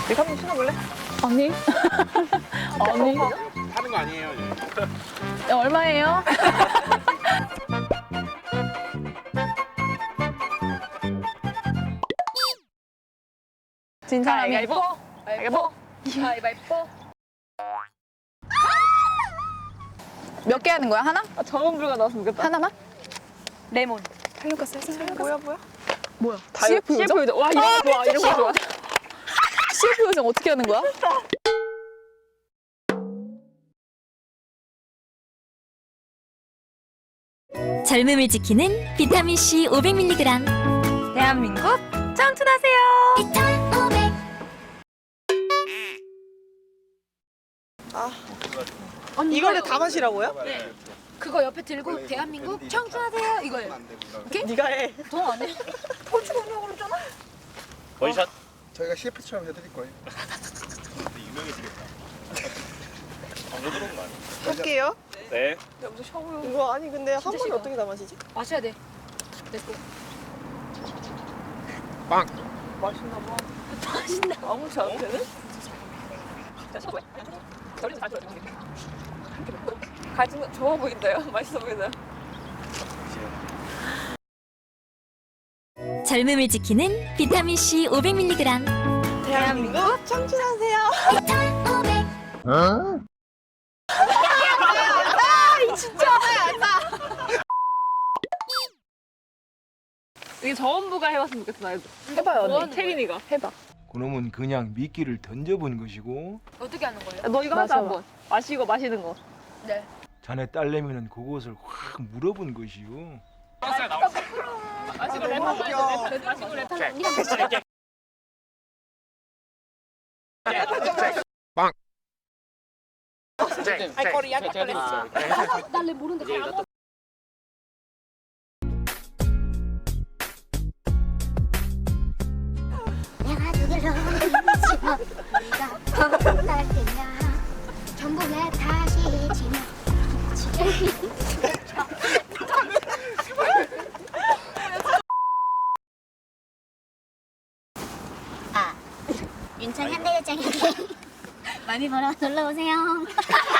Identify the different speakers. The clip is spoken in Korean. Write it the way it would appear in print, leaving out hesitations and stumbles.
Speaker 1: 네가 한번 신어볼래?
Speaker 2: 언니? 언니?
Speaker 3: 하는 거 아니에요?
Speaker 2: 야, 얼마예요? 진 사람이
Speaker 1: 가위바위보. 가위바위보.
Speaker 2: 몇 개 하는 거야? 하나?
Speaker 1: 아, 정원불가 나왔으면 좋겠다.
Speaker 2: 하나만?
Speaker 1: 레몬.
Speaker 2: 살려가 살려가.
Speaker 1: 뭐야?
Speaker 2: 뭐야?
Speaker 1: CF 요정. 와, 이런 거 좋아. 이런 거 좋아.
Speaker 2: CF 요정 어떻게 하는 거야?
Speaker 4: 젊음을 지키는 비타민C 500mg.
Speaker 1: 대한민국 청춘하세요.
Speaker 5: 언니
Speaker 1: 이거를 다 마시라고요?
Speaker 5: 그거 옆에 들고 대한민국 청춘하세요 이거예요.
Speaker 1: 네가 해.
Speaker 5: 돈 안 해.
Speaker 3: 원샷.
Speaker 6: 저희가 CF처럼 해드릴 거예요.
Speaker 3: 유명해지겠다. 광고 들어온 거 아니야?
Speaker 1: 할게요.
Speaker 3: 네.
Speaker 1: 이거 아니 근데 한 번에 어떻게 다 마시지?
Speaker 5: 마셔야 돼. 렛츠고.
Speaker 1: 맛있나 봐. 맛있나? 아무렇지 않은데는? 가진 좋아 보인다요? 맛있어 보인다요?
Speaker 4: 젊음을 지키는 비타민C 500mg.
Speaker 1: 대한민국 청춘하세요. 이게 저원부가 해봤으면 좋겠어. 나 해봐요 언니. 채린이가 해봐.
Speaker 6: 그놈은 그냥 미끼를 던져본 것이고
Speaker 5: 어떻게 하는 거예요?
Speaker 1: 너 이거 하자 한번. 마시고 마시는 거.
Speaker 5: 네.
Speaker 6: 자네 딸내미는 그것을 확 물어본 것이요.
Speaker 1: 마시고 레몬. 마시고 레몬. 알코올이야?
Speaker 5: 날래 모르는데.
Speaker 7: 내가 누굴로 미치고 네가 어떨 때냐 전부 내 탓이지만 인천 현대극장에 많이 보러 놀러 오세요.